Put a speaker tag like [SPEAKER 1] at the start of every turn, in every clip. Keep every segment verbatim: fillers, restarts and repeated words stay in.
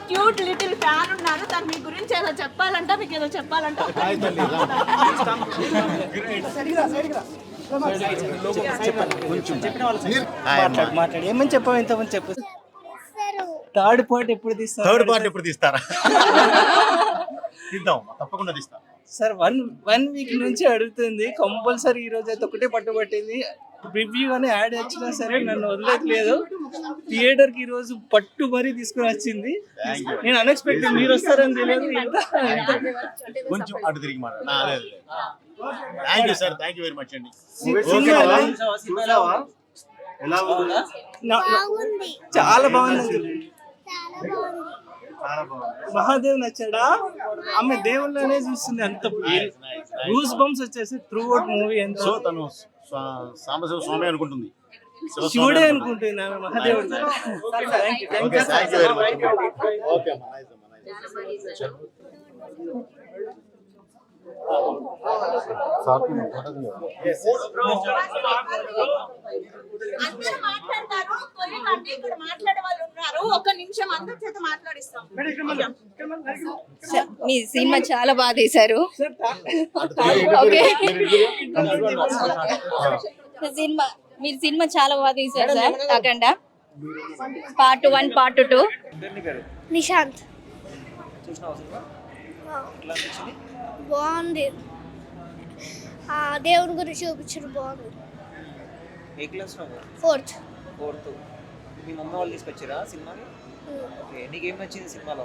[SPEAKER 1] Cute little fan ఉన్నారు. తను మీ గురించి ఏదో చెప్పాలంట, మీకు ఏదో చెప్పాలంట.
[SPEAKER 2] మాట్లాడు ఏమని చెప్పావు ఇంతమంది చెప్పు. థర్డ్ పార్ట్ ఎప్పుడు తీస్తారు?
[SPEAKER 3] థర్డ్ పార్ట్ ఎప్పుడు తీస్తారా? తీద్దాం, తప్పకుండా తీస్తాం
[SPEAKER 2] సార్. వన్ వన్ వీక్ నుంచి అడుగుతుంది కంపల్సరీ. ఈ రోజు అయితే ఒకటే పట్టుబట్టింది. రివ్యూ అని యాడ్ వచ్చినా సరే నన్ను వదిలేదు. థియేటర్ కి ఈ రోజు పట్టు మరీ తీసుకుని వచ్చింది. నేను అన్ఎక్స్పెక్టెడ్ మీరు వస్తారని తెలియదు.
[SPEAKER 3] కొంచెం అటు తిరిగి మాట్లాడు. Thank you sir, thank you very much అండి.
[SPEAKER 2] చాలా బాగుంది. మహాదేవ్ నచ్చాడా? ఆమె దేవుళ్ళనే చూస్తుంది. అంత గూస్ బంప్స్ వచ్చేసి త్రూ అవుట్ మూవీ. ఎంత
[SPEAKER 3] సో తను సాంబశివ స్వామి అనుకుంటుంది,
[SPEAKER 2] శివుడే అనుకుంటుంది ఆమె మహాదేవుడు.
[SPEAKER 1] అందరూ మాట్లాడతారు, కొద్దిమంది ఇక్కడ మాట్లాడే వాళ్ళు ఉన్నారు. ఒక్క నిమిషం అందరి చేత మాట్లాడిస్తాం.
[SPEAKER 4] మీ సినిమా చాలా బాగా తీశారు. ఓకే, సినిమా మీరు సినిమా చాలా బాగా తీశారు సార్. కాకుండా part one part two.
[SPEAKER 5] Nishant బాగుంది. దేవుని గురించి చూపించారు, బాగుంది.
[SPEAKER 6] ఏ క్లాస్?
[SPEAKER 5] ఫోర్త్.
[SPEAKER 6] ఫోర్త్. మీ మమ్మీ వాళ్ళు తీసుకొచ్చారా సినిమాని? ఓకే, నీకేం నచ్చింది సినిమాలో?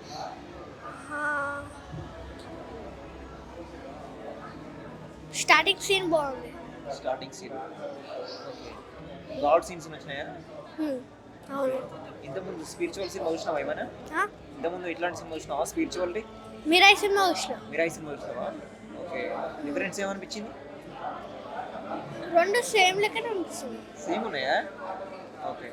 [SPEAKER 5] స్టార్టింగ్ సీన్ బాగుంది.
[SPEAKER 6] Starting scene. Okay, god scenes నచ్చినాయా?
[SPEAKER 5] అవును.
[SPEAKER 6] ఇంతకుముందు స్పిరిచువల్ సినిమా చూసినావా ఏమైనా? ఇంతకుముందు ఇట్లాంటి సినిమా చూసినావా స్పిరిచువల్టీ?
[SPEAKER 5] మీరాయి సినిమా చూసినా.
[SPEAKER 6] మీరాయి సినిమా చూసినావా? ఓకే, డిఫరెన్స్ ఏమనిపించింది?
[SPEAKER 5] రెండు సేమ్ లెక్కనే అనిపిస్తుంది.
[SPEAKER 6] సేమ్ ఉన్నాయా? ఓకే.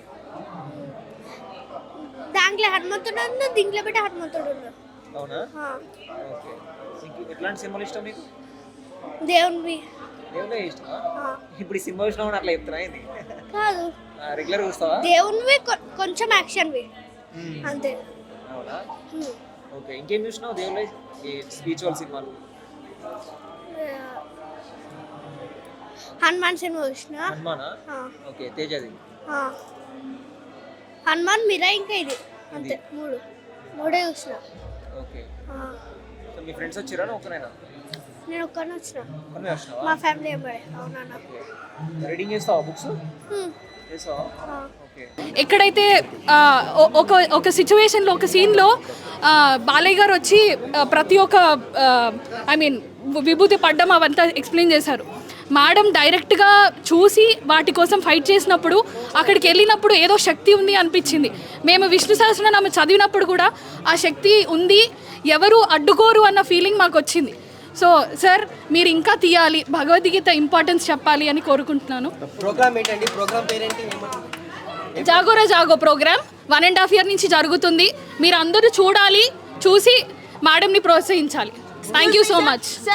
[SPEAKER 5] దాంట్లో హనుమంతుడు ఉంది, దీంట్లో పెట్టి హనుమంతుడు ఉన్నాడు.
[SPEAKER 6] అవునా? ఓకే. ఎట్లాంటి సినిమాలు ఇష్టం మీకు?
[SPEAKER 5] దేవునివి.
[SPEAKER 6] దేవునే ఇష్టమా? ఇప్పుడు ఈ సినిమా చూసినా అట్లా చెప్తున్నా ఇది
[SPEAKER 5] కాదు,
[SPEAKER 6] రెగ్యులర్ చూస్తావా?
[SPEAKER 5] దేవునివి కొంచెం యాక్షన్వి అంతే.
[SPEAKER 6] అవునా? ఓకే, ఇంకేం చూసినావు దేవుళ్ళ స్పిరిచువల్ సినిమాలు?
[SPEAKER 5] హనుమాన్ సినిమా చూసిన.
[SPEAKER 6] హనుమానా? ఓకే, తేజది.
[SPEAKER 5] హనుమాన్ మీరా ఇంకా ఇది అంతే, మూడు మూడే చూసిన.
[SPEAKER 6] ఓకే, సో మీ ఫ్రెండ్స్ వచ్చారా ఒకరేనా?
[SPEAKER 5] నేను ఒక్కనే వచ్చిన.
[SPEAKER 6] ఒక్కనే వచ్చినావా?
[SPEAKER 5] మా ఫ్యామిలీ ఎంబడే. అవునా?
[SPEAKER 6] రీడింగ్ చేస్తావా బుక్స్? చేస్తావా? ఓకే.
[SPEAKER 7] ఎక్కడైతే ఒక ఒక సిచ్యువేషన్లో ఒక సీన్లో బాలయ్య గారు వచ్చి ప్రతి ఒక్క ఐ మీన్ విభూతి పడ్డం అవంతా ఎక్స్ప్లెయిన్ చేశారు. మేడం డైరెక్ట్గా చూసి వాటి కోసం ఫైట్ చేసినప్పుడు అక్కడికి వెళ్ళినప్పుడు ఏదో శక్తి ఉంది అనిపించింది. మేము విష్ణు సహస్రనామం చదివినప్పుడు కూడా ఆ శక్తి ఉంది, ఎవరు అడ్డుకోరు అన్న ఫీలింగ్ మాకు వచ్చింది. సో సార్ మీరు ఇంకా తీయాలి, భగవద్గీత ఇంపార్టెన్స్ చెప్పాలి అని కోరుకుంటున్నాను.
[SPEAKER 2] ప్రోగ్రామ్ ఏంటండి? ప్రోగ్రామ్ పేరేంటి?
[SPEAKER 7] Jagora Jago program one and half year నుంచి జరుగుతుంది. మీరు అందరూ చూడాలి, చూసి మేడంని ప్రోత్సహించాలి. Thank you so much.